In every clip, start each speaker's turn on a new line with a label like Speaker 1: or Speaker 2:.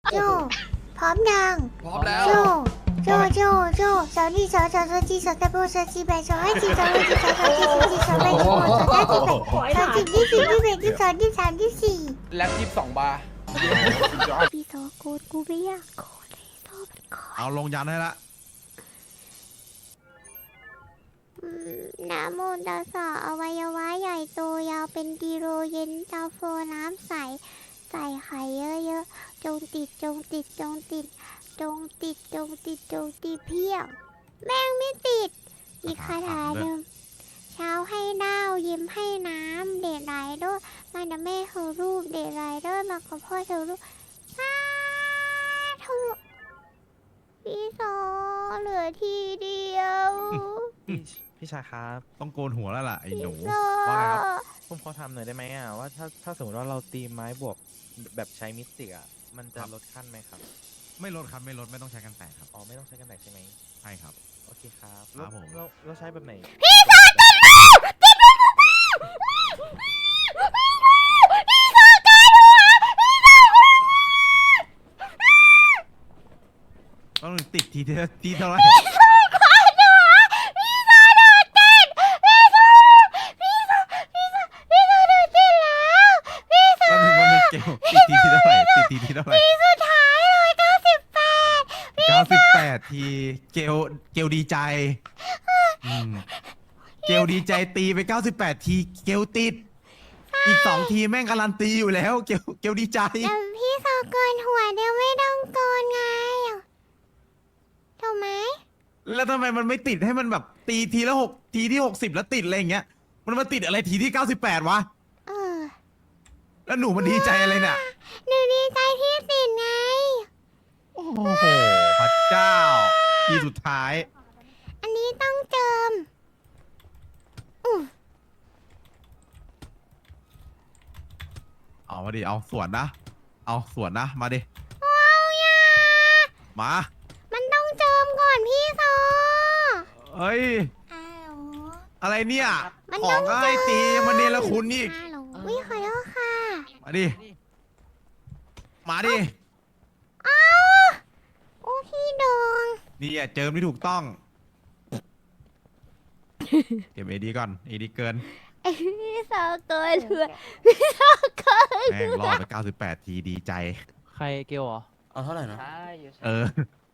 Speaker 1: โจพร้อมยัง
Speaker 2: พร้อมแล้ว
Speaker 1: โจโจสาวนี่สาวจีสาวตะโบสาวจีแบสาวให้จีสาวให้จีสาวจีสาวแบสาวสาวจีแบสาวจีที่สี่ที่แบที่สองที่สามที่สี่
Speaker 2: แล็บ22 บาร์
Speaker 1: พี่โซโกดกูไม่อยากโกดเลยโซมันโกด
Speaker 3: เอาลงยันให้ละ
Speaker 1: น้ำมูลตาสออวัยวะใหญ่โตยาวเป็นกิโลเย็นตาโฟน้ำใสใส่ไข่เยอะๆจงติดเพียงแม่งไม่ติดอีกคาถาหนึ่งเช้าให้ดาวยิ้มให้น้ำเด็ดไหลด้วยมาเดี๋ยวแม่เธอรูปเด็ดไหลด้วยมากับพ่อเธอรูปสาธุพี่โซเหลือทีเดียว
Speaker 4: พี่ชายครับ
Speaker 3: ต้องโกนหัวแล้วล่ะไอ้หนู
Speaker 1: พี่โซ
Speaker 3: ว่าไงครับ
Speaker 4: ผมขอทำหน่อยได้ไหมว่าถ้าสมมติว่าเราตีไม้บวกแบบใช้มิสติกมันจะลดขั้นไหมครับ
Speaker 3: ไม่ลดครับไม่ลดไม่ต้องใช้กันแตกครับ
Speaker 4: อ๋อไม่ต้องใช้กันแตกใช่ไหม
Speaker 3: ใช่ครับ
Speaker 4: โอเคครับ
Speaker 3: ครับผม
Speaker 4: เราใช้แบบไหน
Speaker 3: ต้องติดทีเท่าไหร่แล้วถึงวันนึงเกลติดทีเท่าไหร่ติดทีเท่าไหร่
Speaker 1: สุดท้ายเลย
Speaker 3: 98ทีเกลดีใจเกลดีใจตีไป98ทีเกลติดอีก2ทีแม่งการันตีอยู่แล้วเกลดีใจ
Speaker 1: แต่พี่โซโกนหัวเดียวไม่ต้องโกนไงถูกไหม
Speaker 3: แล้วทำไมมันไม่ติดให้มันแบบตีทีละ6ทีที่60แล้วติดอะไรอย่างเงี้ยมันมาติดอะไรทีที่98วะ
Speaker 1: เออ
Speaker 3: แล้วหนูมันดีใจอะไรเนี่ย
Speaker 1: หนูดีใจที่ติดไง
Speaker 3: โอ้โหพระเจ้าทีสุดท้าย
Speaker 1: อันนี้ต้องเจิมอือ
Speaker 3: เอามาดิเอาสวนนะเอาสวนนะมาดิ
Speaker 1: ว้าวยา
Speaker 3: มา
Speaker 1: มันต้องเจิมก่อนพี่โซ
Speaker 3: เฮ้ย
Speaker 1: อ้าว
Speaker 3: อะไรเนี่ย
Speaker 1: มัน
Speaker 3: ข
Speaker 1: ต้
Speaker 3: อ
Speaker 1: อง ง
Speaker 3: ก็ให้ตียังมาเนรคุณอีก
Speaker 1: ฮัลโหลวิขอโทษค่ะ
Speaker 3: มาดิมาดิ
Speaker 1: อ้าวโอ้พี่ดง
Speaker 3: นี่อ่ะเจิมที่ถูกต้องเก็บเอดีก่อนเอดีเกิน
Speaker 1: ไอพี่โซโกนหัวพี่โซโกน
Speaker 3: แม่งรอดไป98ทีดีใจ
Speaker 4: ใครเกลเหรอ
Speaker 2: เอาเท่าไหร่นะ
Speaker 3: เออ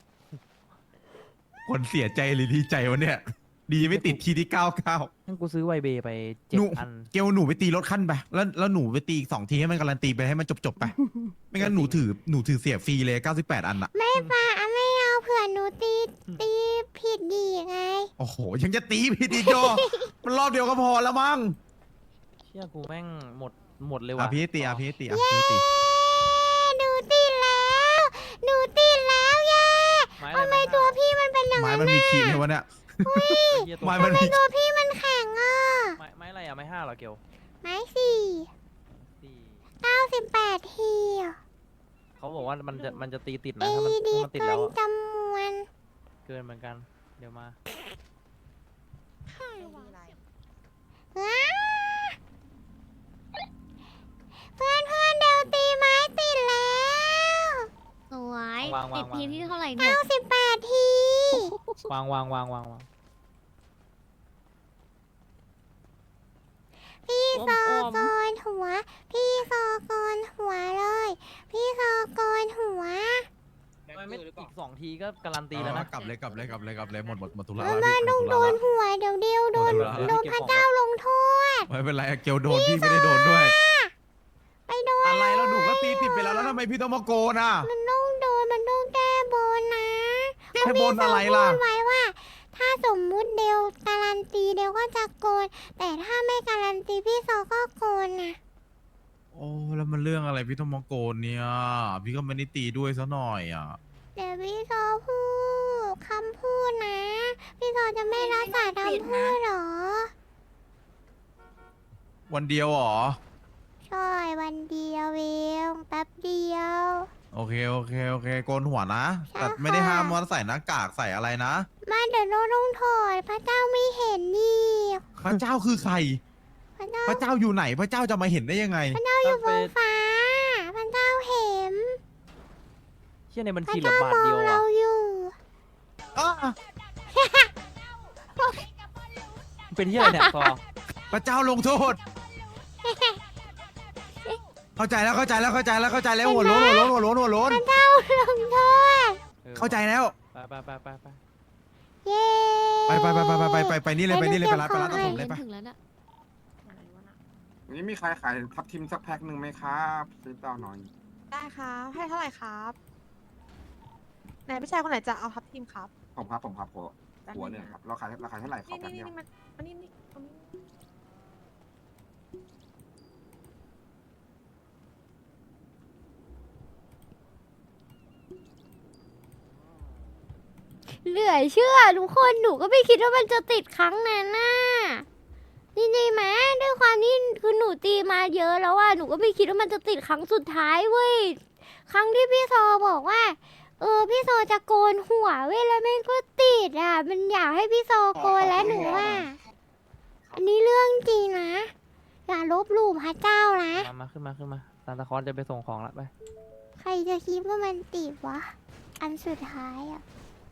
Speaker 3: คนเสียใจหรือดีใจวะเนี่ย ดีไม่ติดทีที่99
Speaker 4: งั้นกูซื้อไวเบไป
Speaker 3: หนู
Speaker 4: 7 อัน
Speaker 3: เกลหนูไปตีรถขั้นไปแล้วหนูไปตีอีก2ทีให้มันการันตีไปให้มันจบไป ไม่งั้นหนูถือเสียฟรีเลย98อันอะ
Speaker 1: ไม่ป่าไม่เอาเผื่อหนูตีผิดดีไง
Speaker 3: โอ้โห ยังจะตีพี่ดีโจ มันรอบเดียวก็พอแล้วมั้ง
Speaker 4: เชื่อกูแม่งหมดเลย
Speaker 3: อ่ะ
Speaker 4: ว่ะ
Speaker 3: พี่ตีอ่ะพี่ตีอ่ะพี่ตี
Speaker 1: หนูติดแล้วเย้
Speaker 4: ไม้
Speaker 1: ทำไมตัวพี่มันเป็นอย่าง
Speaker 3: ไม้
Speaker 1: นั้น
Speaker 3: มันมี
Speaker 1: น่ะ
Speaker 3: ขีดเลยวะเนี่ย
Speaker 4: เหี้ย
Speaker 3: ไม้
Speaker 4: ตัว
Speaker 3: มัน
Speaker 1: ทำไม
Speaker 3: มี
Speaker 1: ตัวพี่มันแข็งอ่ะ
Speaker 4: ไม้อะไรอ่ะไม้5เหรอเกล
Speaker 1: ไม้สี่
Speaker 4: ที่
Speaker 1: 98ทีอ่ะ
Speaker 4: เขาบอกว่ามันจะตีติด
Speaker 1: เอ
Speaker 4: นะถ้ามัน
Speaker 1: ดี
Speaker 4: ติด
Speaker 1: เกิ
Speaker 4: แล้ว
Speaker 1: น
Speaker 4: อะ
Speaker 1: จำนวน
Speaker 4: เกินเหมือนกัน เดี๋ยวมา
Speaker 1: ว้าเพื่อนเดี๋ยวตีไม้ติดแล้ว
Speaker 5: สวย
Speaker 4: วาง
Speaker 5: ติดทีที่เท่าไหร่เนี่ย
Speaker 1: 98ที
Speaker 4: วาง
Speaker 1: พี่โซโกนหัว พี่โซโกนหัวเลย พี่โซโกนหัว
Speaker 4: ไม่อีก2 ทีก็การันตีแล้วนะ
Speaker 3: กลับเลยหมดธุระ
Speaker 1: แล้ว
Speaker 3: แล้ว
Speaker 1: มา
Speaker 3: พี่
Speaker 1: ต้อง
Speaker 3: หม
Speaker 1: โด
Speaker 3: ธุระ
Speaker 1: น
Speaker 3: แล้ว
Speaker 1: หัวเดี๋ยวโดน
Speaker 3: โดน
Speaker 1: พระเจ้าลงโทษ
Speaker 3: ไม่เป็นไรเกลโดนพี่ไม่ได้โดนด้วย
Speaker 1: ไปโดน
Speaker 3: อะไรแล้วหนูก็ตีติดไปแล้วทำไมพี่ต้องมาโกนอ่ะ
Speaker 1: มันต้องแก้บนนะ
Speaker 3: แก้บนอะไรล่ะ
Speaker 1: พูดไว้ว่า ถ้าสมมุติเดวการันตีเดวก็จะโกน แต่ถ้าไม่การันตีพี่โซก็โกนนะ
Speaker 3: โอ้แล้วมันเรื่องอะไรพี่ต้องมาโกนเนี่ย พี่ก็ไม่ได้ตีด้วยซะหน่อยอ่ะ
Speaker 1: เดี๋ยวพี่โซพูดคำพูดนะ พี่โซจะไม่รักษาคำพูดเหรอ
Speaker 3: วันเดียวเหรอ
Speaker 1: ใช่วันเดียวเองแป๊บเดียว
Speaker 3: โอเคโกนหัวนะ
Speaker 1: ใช่
Speaker 3: แต่ไม่ได้
Speaker 1: ค่ะ
Speaker 3: ห้ามว่าใส่หน้ากากใส่อะไรนะ
Speaker 1: มาเดี๋ยวโน้ตต้องถอดพระเจ้าไม่เห็นนี่
Speaker 3: พระเจ้าคือใคร
Speaker 1: พระเจ้า
Speaker 3: พระเจ้าอยู่ไหน พระเจ้าจะมาเห็นได้ยังไง
Speaker 1: พระเจ้าอยู่บนฟ้าพระเจ้าเห็น
Speaker 4: เชี่ยในบัญ
Speaker 1: พระ
Speaker 4: ชีเหลือ
Speaker 1: เจ้า
Speaker 4: บาท
Speaker 1: มอ
Speaker 4: เดี
Speaker 1: ง
Speaker 4: ยว
Speaker 1: เรา
Speaker 4: อ่ะ
Speaker 1: อยู่
Speaker 3: อ้า
Speaker 4: เป็นที่อะไรเนี่ยซอ
Speaker 3: พระเจ้าลงโทษ เข้าใจแล้วเข้าใจแล้วเข้าใจแล้วเข้าใจแล้วหัวโล้นหัวโล้นหัวโล้นหัวโล้น
Speaker 1: พระเจ้าลงโทษ
Speaker 3: เข้าใจแล้ว
Speaker 4: ไป
Speaker 1: เย้
Speaker 3: ไปนี่เลยไปนี่เลยไปร้านตัดผม
Speaker 2: เล่
Speaker 3: เลย
Speaker 2: น
Speaker 3: ไป
Speaker 2: ถึงแล้วน่ะ
Speaker 5: วันนี้มีใครขายทับทิมสักแพ็คหนึ่งไหมครับซื้อต่อหน่อย
Speaker 6: ได้ครับให้เท่าไหร่ครับไหนพี่ชายคนไหนจะเอาทับทีมครับ
Speaker 5: ผมครับหัวเนี่ยครับเราขายเท่าไหร่ขอ
Speaker 6: นี่
Speaker 5: แป๊บ
Speaker 6: นี่
Speaker 5: เดียว
Speaker 6: นี่มันอันนี้นี่ตรงนี้
Speaker 1: เหลือเชื่อทุกคนหนูก็ไม่คิดว่ามันจะติดครั้งนั้นน่ะนี่ไหมด้วยความที่คือหนูตีมาเยอะแล้วอะหนูก็ไม่คิดว่ามันจะติดครั้งสุดท้ายเว้ยครั้งที่พี่โซบอกว่าพี่โซจะโกนหัวเว้ยแล้วแม่งก็ติดอะมันอยากให้พี่โซโกนแล้วหนูว่าอันนี้เรื่องจริงนะอย่าลบหลู่พระเจ้านะ
Speaker 4: มาขึ้นมาซานตาคลอสจะไปส่งของละไป
Speaker 1: ใครจะคิดว่ามันติดวะอันสุดท้ายอะ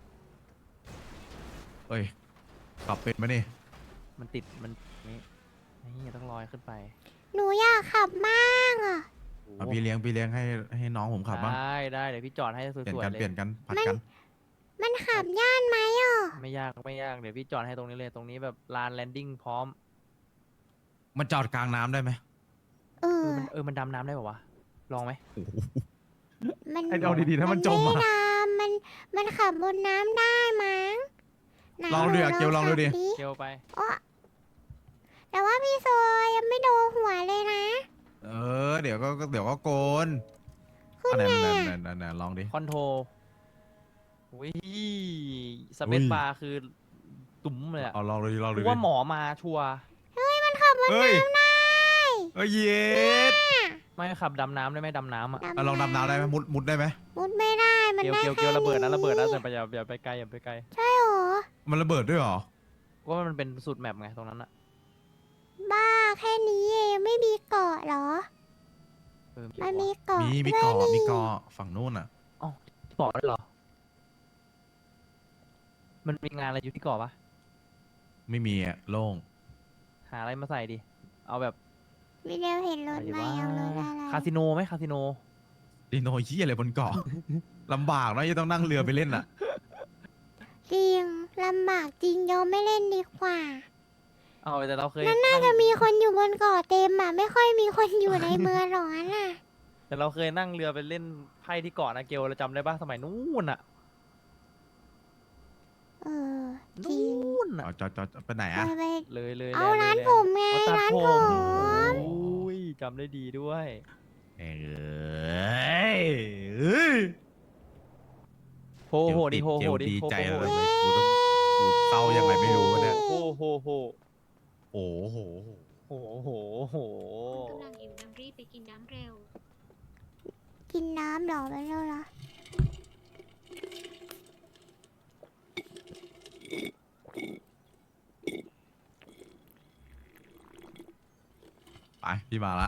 Speaker 3: เอ้ยขับเป็นไหมนี่
Speaker 4: มันติดมันนี่ต้องลอยขึ้นไป
Speaker 1: หนูอยากขับบ้างอะ
Speaker 3: เอาพี่เลี้ยงให้น้องผมขับบ้าง
Speaker 4: ได้เดี๋ยวพี่จอดให้ส
Speaker 3: เปลี่ยน
Speaker 4: วย
Speaker 3: กัน
Speaker 4: ๆเล
Speaker 3: เปลี่ย
Speaker 4: ย
Speaker 3: นกันผัดกัน
Speaker 1: มันขับย่านไหมอ่ะ
Speaker 4: ไม่ยากเดี๋ยวพี่จอดให้ตรงนี้เลยตรงนี้แบบลานแลนดิ้งพร้อม
Speaker 3: มันจอดกลางน้ำได้ไหม
Speaker 1: เออ
Speaker 4: มันดำน้ำได้ป่าวะลองไหม
Speaker 1: มัน
Speaker 3: ไอ้เอาดีๆถ้ามันจม
Speaker 1: ไ
Speaker 3: อะ
Speaker 1: น้ำมันขับบนน้ำได้มั้งไหน
Speaker 3: ลองดูอะเกียวลองดูดิ
Speaker 1: ขับ
Speaker 4: เกลไป
Speaker 1: อ๊ะแต่ว่าพี่โซยังไม่โดนหัวเลยนะ
Speaker 3: เดี๋ยวก็โกน
Speaker 1: ขึ้น
Speaker 3: อัน
Speaker 1: ไง
Speaker 3: ไหนลองดิ
Speaker 4: คอนโทรอุ้ยส
Speaker 3: อุ้
Speaker 4: เป
Speaker 3: ย
Speaker 4: ซบาร์คือตุ๋มเลยอะ
Speaker 3: เอาลองดูดิลองดู
Speaker 4: กู
Speaker 3: ดิ
Speaker 4: ว่าหมอมาชัวร์
Speaker 1: มันขับบน
Speaker 3: เฮ้ย
Speaker 1: น้ำได้
Speaker 3: เอ้ยเย็ด
Speaker 4: ไม่ขับดำน้ำได้ไหมดำน้ำอ่ะ
Speaker 3: ลองดำน้ำได้ไหมมุดได้ไหม
Speaker 1: มุดไม่ได้มัน
Speaker 4: เกล
Speaker 1: ได้
Speaker 4: เกลระเบิดนะแต่อย่าไปไกล
Speaker 1: ใช่หรอ
Speaker 3: มันระเบิดด้วยเหรอ
Speaker 4: เพราะว่ามันเป็นสูตรแมปไงตรงนั้นอะ
Speaker 1: บ้าแค่นี้เองไม่มีเกาะเหรอ มันมีเกาะ
Speaker 3: มี
Speaker 1: ด้วย
Speaker 3: เกาะ
Speaker 1: นี่
Speaker 3: มีเกาะฝั่งนู้นอ่ะ
Speaker 4: บอกได้เหรอ มันมีงานอะไรอยู่ที่เกาะปะ
Speaker 3: ไม่มีอ่ะโล่ง
Speaker 4: หาอะไรมาใส่ดิ เอาแบบ
Speaker 1: วิดีโอเห็นรถ
Speaker 4: อะไร
Speaker 1: ไหม
Speaker 4: วะ
Speaker 1: เอารถอะไร
Speaker 4: คาสิโนไหมคาสิโน
Speaker 3: ดิโนยี่อะไรบนเกาะ ลำบากนะยังต้องนั่งเรือไปเล่นอ่ะ
Speaker 1: จริงลำบากจริงยอมไม่เล่นดีกว่า
Speaker 4: เอาแต่เราเคย
Speaker 1: น่าจะมีคนอยู่บนเกาะเต็มอ่ะ ไม่ค่อยมีคนอยู่ในเมืองหรอกน่ะ
Speaker 4: แต่เราเคยนั่งเรือไปเล่นไพ่ที่เกาะนะเกลเราจำได้ปะสมัยนู้นอะ
Speaker 1: เออจริง
Speaker 4: นู้นอะ
Speaker 3: เอาจอดไปไหนอ่ะ
Speaker 1: ไป
Speaker 4: เลย
Speaker 1: เอา
Speaker 4: แล
Speaker 1: ร้าน
Speaker 4: เลย
Speaker 1: ผมไง
Speaker 4: เอาตัด
Speaker 1: ร้าน
Speaker 4: ผ
Speaker 1: ผม ม
Speaker 4: โอ้ยจำได้ดีด้วย
Speaker 3: เอ้ย
Speaker 4: โหโหดิโหโหดิ
Speaker 3: ดี
Speaker 4: โห
Speaker 3: ใจ
Speaker 4: โห
Speaker 3: เลย
Speaker 4: โห
Speaker 3: กูเศร้ายังไงไม่รู้เนี่ย
Speaker 4: โหโหโห
Speaker 3: โอ้โห
Speaker 4: โหโหโห
Speaker 2: กำลังหิวน้ำรีบไปกินน้ำเร็ว
Speaker 1: กินน้ำหรอไปแล้วล่ะ
Speaker 3: ไปพี่มาละ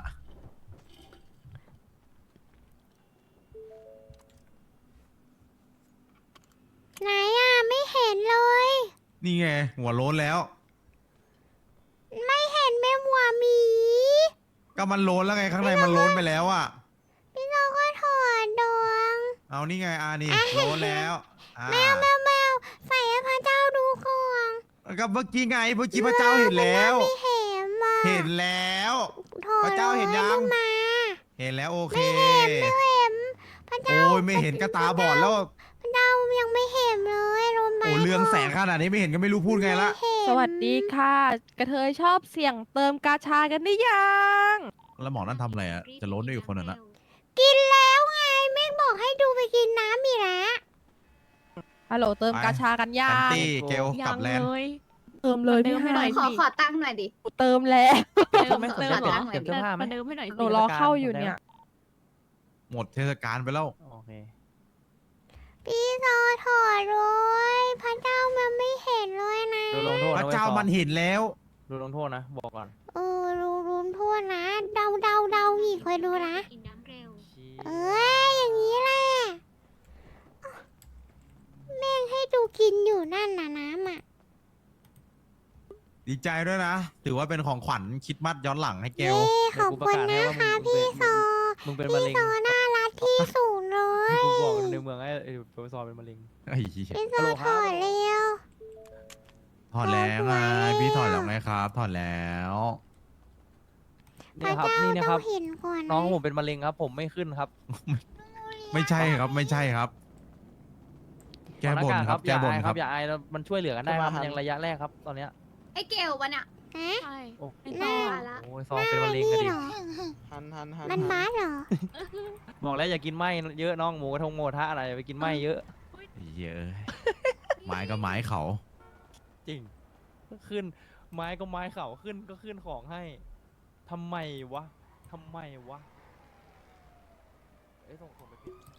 Speaker 1: ไหนอ่ะไม่เห็นเลย
Speaker 3: นี่ไงหัวโล้นแล้ว
Speaker 1: ไม่เห็นแม่หัวหมี
Speaker 3: ก็มันโล้นแล้วไงข้างในมันโล้นไปแล้วอ่ะ
Speaker 1: พี่น้องก็ถอดดวง
Speaker 3: เอานี่ไงนี่โล้นแล้วอ่า
Speaker 1: แมวใส่ให้พระเจ้าดูก่อน
Speaker 3: ก็เมื่อกี้ไงเมื่อกี้พระเจ้าเห็นแล้ว
Speaker 1: ไม่เห็นมา
Speaker 3: เห็นแล้ว
Speaker 1: ถอด
Speaker 3: พระเจ้าเห็นยัง
Speaker 1: ลมา
Speaker 3: เห็นแล้วโอเค
Speaker 1: ไม่เห็นพระเจ้า
Speaker 3: โอ้ยไม่เห็นก็ตาบอดแล้ว
Speaker 1: พระเจ้ายังไม่เห็นเลยรู้ไหม
Speaker 3: โอ้เรืองแสงขนาดนี้ไม่เห็นก็ไม่รู้พูดไงละ
Speaker 1: ม่เห็น
Speaker 6: สวัสดีค่ะ กระเทยชอบเสี่ยงเติมกาชากันได้ยัง
Speaker 3: แล้วหมอนั่นทำอะไรอ่ะจะโล้นด้วยอีกคนอ่ะนะ
Speaker 1: กินแล้วไงไม่บอกให้ดูไปกินน้ำอีกแล้ว
Speaker 6: ฮัลโหลเติมกาชากันยั
Speaker 3: แอน
Speaker 6: ง
Speaker 3: ตี้เกลกลับแลนด์
Speaker 6: เติมเลยพี่
Speaker 2: เติมให้
Speaker 6: ให้
Speaker 2: หน่อย
Speaker 7: ขอตั้งหน่อยดิ
Speaker 6: เติมแล้ว
Speaker 4: เติมไหม
Speaker 2: เติม
Speaker 4: เติม
Speaker 2: เหรอ
Speaker 4: เติมเสื้อผ้าไหม
Speaker 2: มาเดิมให้หน่อย
Speaker 6: หนูรอเข้าอยู่เนี่ย
Speaker 3: หมดเทศกาลไปแล้ว
Speaker 4: โอเค
Speaker 1: พี่โซถอดเลยพระเจ้ามันไม่เห็นเลยนะ
Speaker 4: โดนลงโทษ
Speaker 3: พ
Speaker 4: นะ
Speaker 3: ระ
Speaker 4: เว้ย
Speaker 3: เจ้า
Speaker 4: ซอ
Speaker 3: มันเห็นแล้ว
Speaker 4: โดนลงโทษนะบอกก่อน
Speaker 1: รุนทั่วนะ เดาอีกคอยดูนะ
Speaker 2: กินน้ำเร็ว
Speaker 1: เอ้ยอย่างนี้แหละ
Speaker 3: ดีใจด้วยนะ ถือว่าเป็นของขวัญคริดมัดย้อนหลังให้เก
Speaker 1: เย้
Speaker 3: ล
Speaker 1: ขอบคุณนะคะพี่โซ
Speaker 4: มึงเป็นมะเร็ง
Speaker 1: พี่โซน่ารักที่สุดเลย
Speaker 4: กูบอกในเมืองไอ้โปรซอเป็นมะเร็ง
Speaker 3: ไอ้เหี้ย
Speaker 1: พี่โซถอดเร็ว
Speaker 3: ถอดแล้วไง พี่ถอดแล้วไงครับ ถอดแล้ว
Speaker 1: พระ
Speaker 4: นี่ครับ
Speaker 1: เจ้า
Speaker 4: นี่นะค
Speaker 1: ต้
Speaker 4: รั
Speaker 1: อบ งเห็นก่อน
Speaker 4: น้องผมเป็นมะเร็งครับ ผมไม่ขึ้นครับ
Speaker 3: ไม่ใช่ครับ ไม่ใช่ครับ แก้บนครับ
Speaker 4: อ
Speaker 3: แก้
Speaker 4: ย่า
Speaker 3: บน
Speaker 4: อาย
Speaker 3: ค
Speaker 4: ค
Speaker 3: รั
Speaker 4: รับ บอย่าอายแล้วมันช่วยเหลือกันได้ครับมันยังระยะแรกครับตอนเนี้ย
Speaker 2: ไอ้เกลวะเนี่ย
Speaker 1: ฮะ
Speaker 6: ใช่
Speaker 4: โอ้
Speaker 2: ไอ้ซอละ
Speaker 4: โอ้ยซองเป็นมะเร็งกัน
Speaker 1: นี่
Speaker 4: ดิ
Speaker 1: เหรอ มันมาเหรอ
Speaker 4: บอกแล้วอย่ากินไหมเยอะน้องหมูกระทงหมูกระทะอะไรอย่าไปกินไหมเยอะ
Speaker 3: เยอะ ไม้ก็ไม้เขา
Speaker 4: จริงขึ้นไม้ก็ไม้เขาขึ้นก็ขึ้นของให้ทำไมวะทำไมวะเอ้ยส่งไปผิด